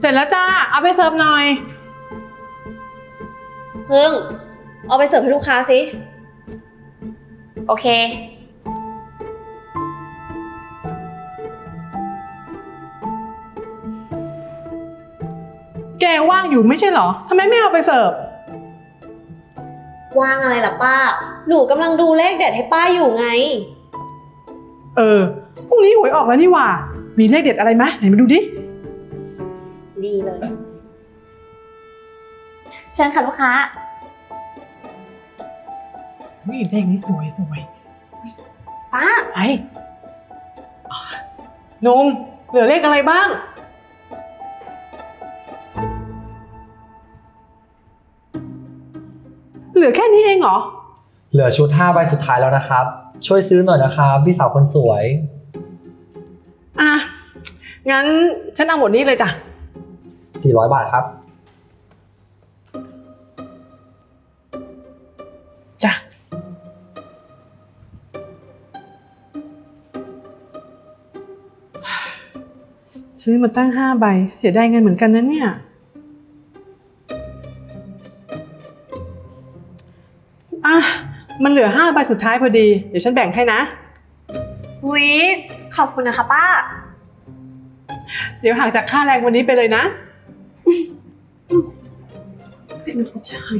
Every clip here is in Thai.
ร็จแล้วจ้าเอาไปเสิร์ฟหน่อยพึ่งเอาไปเสิร์ฟให้ลูกค้าสิโอเคแกว่างอยู่ไม่ใช่เหรอทำไมไม่เอาไปเสิร์ฟว่างอะไรล่ะป้าหนูกำลังดูเลขเด็ดให้ป้าอยู่ไงพรุ่งนี้หวยออกแล้วนี่หว่ามีเลขเด็ดอะไรไหมไหนมาดูดิดีเลยเชิญค่ะลูกค้าเลขนี้สวยป้าไอ้นมเหลือเลขอะไรบ้างเหลือแค่นี้เองเหรอเหลือชุด5 ใบสุดท้ายแล้วนะครับช่วยซื้อหน่อยนะครับพี่สาวคนสวยงั้นฉันเอาหมดนี้เลยจ้ะ 400 บาทครับจ้ะซื้อมาตั้ง5 ใบเสียดายเงินเหมือนกันนะเนี่ยมันเหลือ5 ใบสุดท้ายพอดีเดี๋ยวฉันแบ่งให้นะขอบคุณนะคะป้าเดี๋ยวหักจากค่าแรงวันนี้ไปเลยนะเป็นผู้ชาย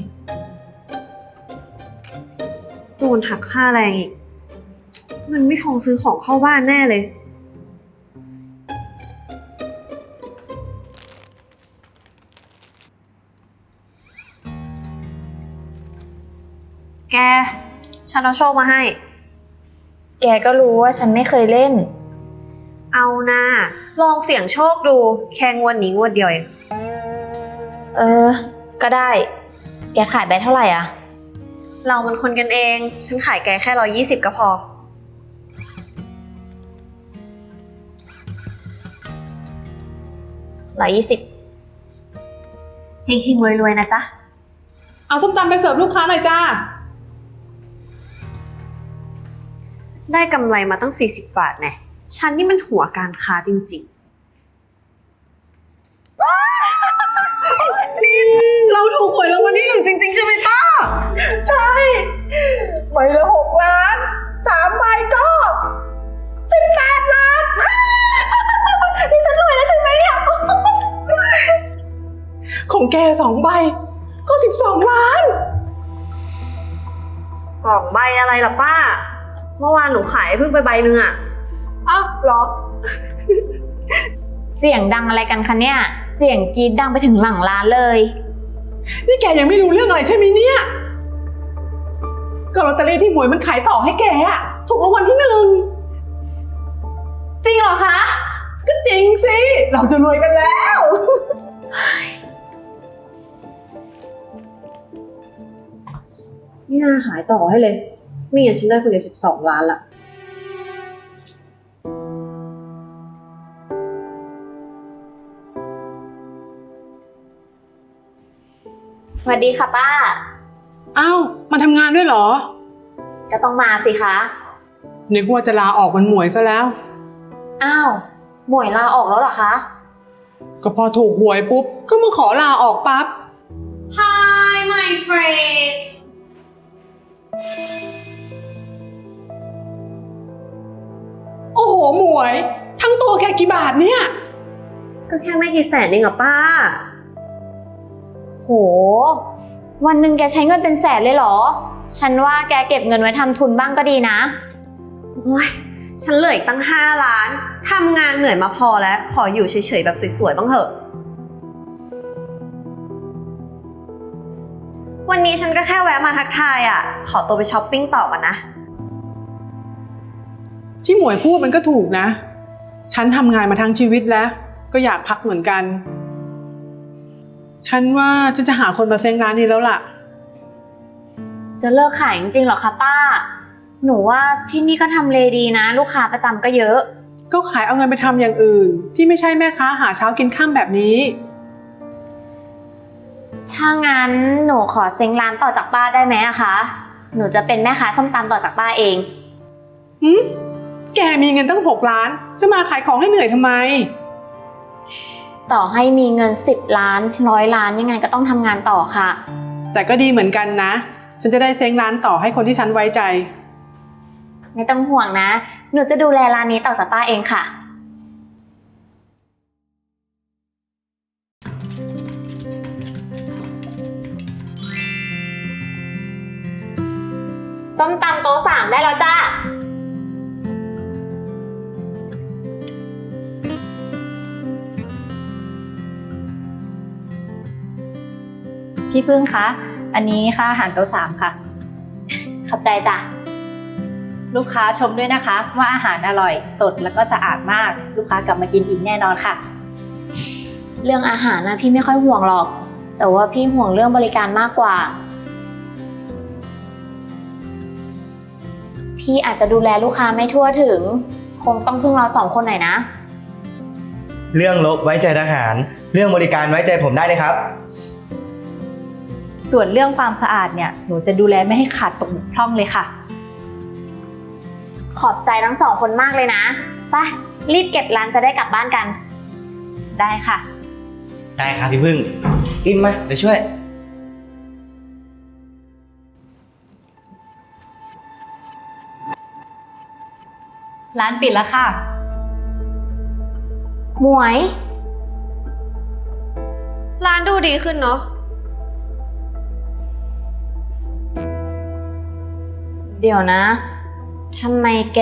โดนหักค่าแรงอีกเงินไม่พอซื้อของเข้าบ้านแน่เลยแกฉันเอาโชคมาให้แกก็รู้ว่าฉันไม่เคยเล่นเอานะลองเสี่ยงโชคดูแค่งวดนี้งวดเดียวเองก็ได้แกขายใบเท่าไหร่อะเรามันคนกันเองฉันขายแกแค่120ก็พอ 120 เฮงๆรวยๆนะจ๊ะเอาส้มตำไปเสิร์ฟลูกค้าหน่อยจ้าได้กำไรมาตั้ง40 บาทแน่ฉันนี่มันหัวการค้าจริงๆนินเราถูกหวยรางวัลที่ 1จริงๆใช่ไหมป้าใช่ใบละ6 ล้าน3 ใบก็18 ล้านนี่ฉันรวยแล้วใช่ไหมเนี่ยของแก2 ใบก็12 ล้าน 2 ใบอะไรล่ะป้าเมื่อวานหนูขายเพิ่งไปใบนึงอ่ะหรอเสียงดังอะไรกันคะเนี่ยเสียงกรี๊ดดังไปถึงหลังร้านเลยนี่แกยังไม่รู้เรื่องอะไรใช่ไหมเนี่ยก็ลอตเตอรี่ที่หมวยมันขายต่อให้แกอะถูกรางวัลที่1 จริงเหรอคะก็จริงสิเราจะรวยกันแล้วนี่น่าขายต่อให้เลยไม่งั้นฉันได้คนเดียว12 ล้านละสวัสดีค่ะป้ามาทำงานด้วยเหรอก็ต้องมาสิคะนึกว่าจะลาออกวันหมวยซะแล้วหมวยลาออกแล้วเหรอคะก็พอถูกหวยปุ๊บก็มาขอลาออกปั๊บ Hi my friend โอ้โหหมวยทั้งตัวแกกี่บาทเนี่ยก็แค่ไม่กี่แสนเองเหรอป้าโหวันหนึ่งแกใช้เงินเป็นแสนเลยเหรอฉันว่าแกเก็บเงินไว้ทำทุนบ้างก็ดีนะโอ้ยฉันเหลืออีกตั้ง5 ล้านทำงานเหนื่อยมาพอแล้วขออยู่เฉยๆแบบสวยๆบ้างเถอะวันนี้ฉันก็แค่แวะมาทักทายขอตัวไปช้อปปิ้งต่อก่อนนะที่หมวยพูดมันก็ถูกนะฉันทำงานมาทั้งชีวิตแล้วก็อยากพักเหมือนกันฉันว่าฉันจะหาคนมาเซ้งร้านนี้แล้วล่ะจะเลิกขายจริงๆหรอคะป้าหนูว่าที่นี่ก็ทำเลดีนะลูกค้าประจำก็เยอะก็ขายเอาเงินไปทำอย่างอื่นที่ไม่ใช่แม่ค้าหาเช้ากินค่ำแบบนี้ถ้างั้นหนูขอเซ้งร้านต่อจากป้าได้ไหมอะคะหนูจะเป็นแม่ค้าส้มตำต่อจากป้าเองแกมีเงินตั้ง6 ล้านจะมาขายของให้เหนื่อยทำไมต่อให้มีเงิน10 ล้าน100 ล้านยังไงก็ต้องทำงานต่อค่ะแต่ก็ดีเหมือนกันนะ ฉันจะได้เซ้งร้านต่อให้คนที่ฉันไว้ใจไม่ต้องห่วงนะ หนูจะดูแลร้านนี้ต่อจากป้าเองค่ะ ส้มตำโต๊ะ3ได้แล้วจ้าพี่พึ่งคะ อันนี้ค่าอาหารโต๊ะ3ค่ะขอบใจจ้ะลูกค้าชมด้วยนะคะว่าอาหารอร่อย สดแล้วก็สะอาดมาก ลูกค้ากลับมากินอีกแน่นอนค่ะเรื่องอาหารนะพี่ไม่ค่อยห่วงหรอก แต่ว่าพี่ห่วงเรื่องบริการมากกว่า พี่อาจจะดูแลลูกค้าไม่ทั่วถึง คงต้องพึ่งเรา2 คนหน่อยนะเรื่องลบไว้ใจทหาร เรื่องบริการไว้ใจผมได้เลยครับส่วนเรื่องความสะอาดเนี่ยหนูจะดูแลไม่ให้ขาดตกบกพร่องเลยค่ะขอบใจทั้ง2 คนมากเลยนะไปรีบเก็บร้านจะได้กลับบ้านกันได้ค่ะได้ครับพี่พึ่งอิมมาเดี๋ยวช่วยร้านปิดแล้วค่ะหมวยร้านดูดีขึ้นเนาะเดี๋ยวนะทำไมแก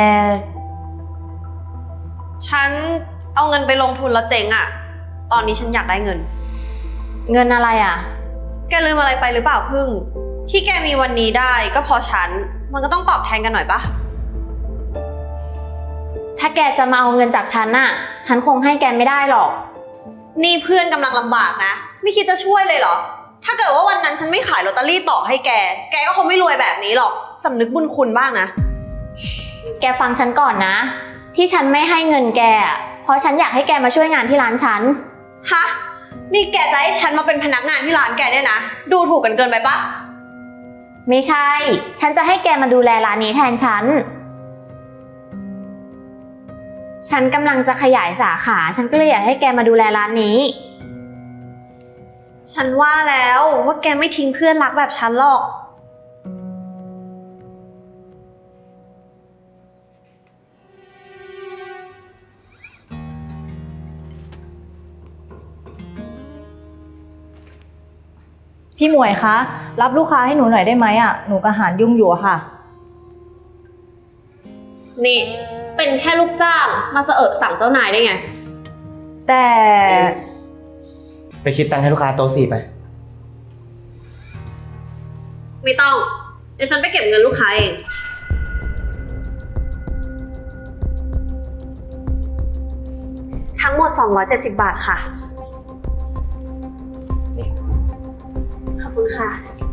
ฉันเอาเงินไปลงทุนแล้วเจ๊งอะตอนนี้ฉันอยากได้เงินเงินอะไรอ่ะแกลืมอะไรไปหรือเปล่าพึ่ง ที่แกมีวันนี้ได้ก็เพราะฉัน มันก็ต้องตอบแทนกันหน่อยปะถ้าแกจะมาเอาเงินจากฉันน่ะ ฉันคงให้แกไม่ได้หรอกนี่เพื่อนกำลังลำบากนะ ไม่คิดจะช่วยเลยเหรอ ถ้าเกิดว่าวันนั้นฉันไม่ขายลอตเตอรี่ต่อให้แก แกก็คงไม่รวยแบบนี้หรอก สำนึกบุญคุณบ้างนะแกฟังฉันก่อนนะ ที่ฉันไม่ให้เงินแกอะเพราะฉันอยากให้แกมาช่วยงานที่ร้านฉันฮะ นี่แกจะให้ฉันมาเป็นพนักงานที่ร้านแกเนี่ยนะ ดูถูกกันเกินไปปะไม่ใช่ ฉันจะให้แกมาดูแลร้านนี้แทนฉัน ฉันกำลังจะขยายสาขา ฉันก็เลยอยากให้แกมาดูแลร้านนี้ฉันว่าแล้วว่าแกไม่ทิ้งเพื่อนรักแบบฉันหรอกพี่หมวยคะ รับลูกค้าให้หนูหน่อยได้ไหมอ่ะ หนูกับหารยุ่งอยู่อะค่ะนี่ เป็นแค่ลูกจ้างมาเสอะสั่งเจ้านายได้ไงแต่ไปคิดตังค์ให้ลูกค้าโต๊ะ4ไปไม่ต้อง เดี๋ยวฉันไปเก็บเงินลูกค้าเอง ทั้งหมด270 บาทค่ะ ขอบคุณค่ะ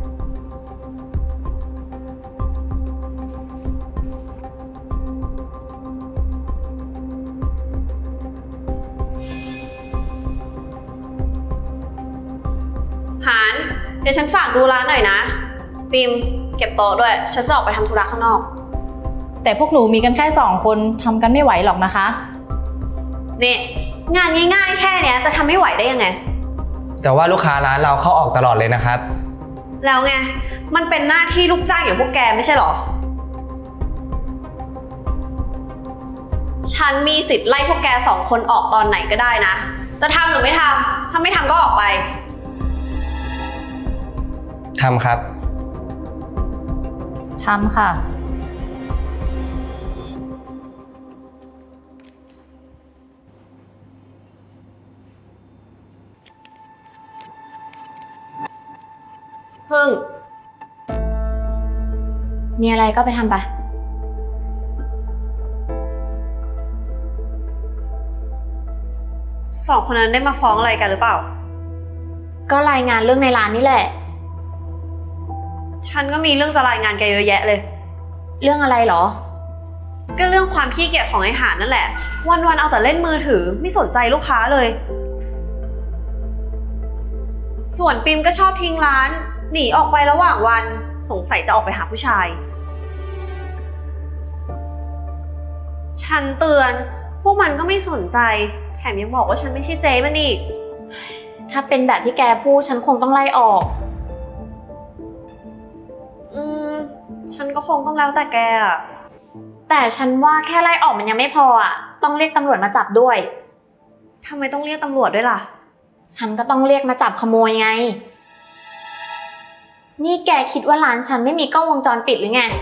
หาน เดี๋ยวฉันฝากดูร้านหน่อยนะ ปิมเก็บโต๊ะด้วย ฉันจะออกไปทำธุระข้างนอกแต่พวกหนูมีกันแค่2 คนทำกันไม่ไหวหรอกนะคะนี่ งานง่ายๆแค่เนี้ยจะทำไม่ไหวได้ยังไงแต่ว่าลูกค้าร้านเราเข้าออกตลอดเลยนะครับแล้วไง มันเป็นหน้าที่ลูกจ้างอย่างพวกแกไม่ใช่หรอ ฉันมีสิทธิ์ไล่พวกแก2 คนออกตอนไหนก็ได้นะ จะทำหรือไม่ทำ ถ้าไม่ทำก็ออกไปทำครับทำค่ะพึ่งมีอะไรก็ไปทำไป 2 คนนั้นได้มาฟ้องอะไรกันหรือเปล่าก็รายงานเรื่องในร้านนี่แหละฉันก็มีเรื่องจะรายงานแกเยอะแยะเลยเรื่องอะไรเหรอก็เรื่องความขี้เกียจของไอ้หานนั่นแหละ วันๆเอาแต่เล่นมือถือไม่สนใจลูกค้าเลย ส่วนปิมก็ชอบทิ้งร้าน หนีออกไประหว่างวันสงสัยจะออกไปหาผู้ชาย ฉันเตือน พวกมันก็ไม่สนใจ แถแถมยังบอกว่าฉันไม่ใช่เจ๊มันอีกถ้าเป็นแบบที่แกพูดฉันคงต้องไล่ออกฉันก็คงต้องแล้วแต่แกอะแต่ฉันว่าแค่ไล่ออกมันยังไม่พออ่ะ ต้องเรียกตำรวจมาจับด้วยทำไมต้องเรียกตำรวจด้วยล่ะฉันก็ต้องเรียกมาจับขโมยไง นี่แกคิดว่าร้านฉันไม่มีกล้องวงจรปิดหรือไง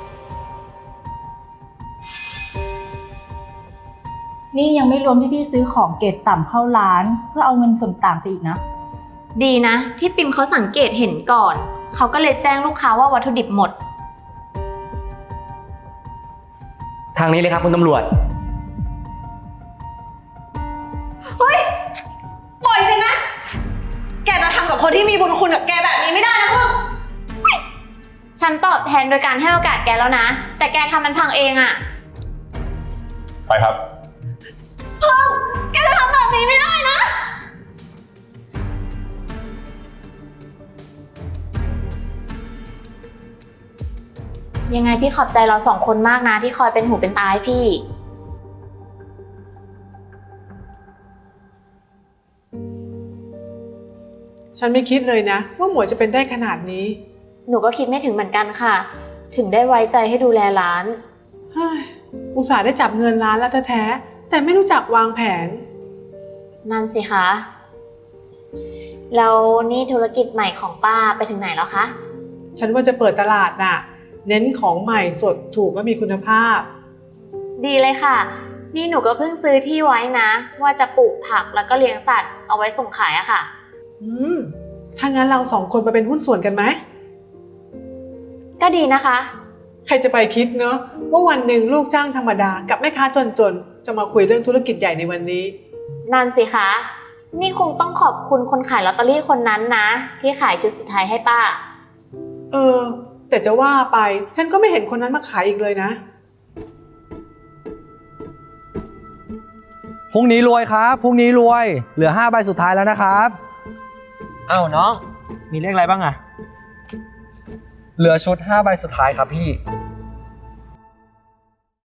นี่ยังไม่รวมที่พี่ซื้อของเกรดต่ำเข้าร้าน เพื่อเอาเงินส่วนต่างไปอีกนะดีนะที่ปิมเขาสังเกตเห็นก่อน เขาก็เลยแจ้งลูกค้าว่าวัตถุดิบหมดทางนี้เลยครับคุณตำรวจปล่อยฉันนะ แกจะทำกับคนที่มีบุญคุณกับแกแบบนี้ไม่ได้นะพึ่งฉันตอบแทนโดยการให้โอกาสแกแล้วนะ แต่แกทำมันพังเองอะไปครับแกจะทำแบบนี้ไม่ได้นะยังไงพี่ขอบใจเราสองคนมากนะที่คอยเป็นหูเป็นตาให้พี่ฉันไม่คิดเลยนะว่าหมวยจะเป็นได้ขนาดนี้หนูก็คิดไม่ถึงเหมือนกันค่ะ ถึงได้ไว้ใจให้ดูแลร้านเฮ้ย อุตส่าห์ได้จับเงินร้านแล้วแท้ๆแต่ไม่รู้จักวางแผนนั่นสิคะแล้วนี่ธุรกิจใหม่ของป้าไปถึงไหนแล้วคะฉันว่าจะเปิดตลาดน่ะ เน้นของใหม่สดถูกและมีคุณภาพดีเลยค่ะ นี่หนูก็เพิ่งซื้อที่ไว้นะ ว่าจะปลูกผักแล้วก็เลี้ยงสัตว์เอาไว้ส่งขายอะค่ะถ้างั้นเราสองคนมาเป็นหุ้นส่วนกันไหมก็ดีนะคะใครจะไปคิดเนอะว่าวันหนึ่งลูกจ้างธรรมดากับแม่ค้าจนๆ จะมาคุยเรื่องธุรกิจใหญ่ในวันนี้นั่นสิคะ นี่คงต้องขอบคุณคนขายลอตเตอรี่คนนั้นนะ ที่ขายชุดสุดท้ายให้ป้าแต่จะว่าไปฉันก็ไม่เห็นคนนั้นมาขายอีกเลยนะพรุ่งนี้รวยครับ พรุ่งนี้รวย เหลือ5ใบสุดท้ายแล้วนะครับอ้าวน้อง มีเลขอะไรบ้างอะเหลือชุด5ใบสุดท้ายครับพี่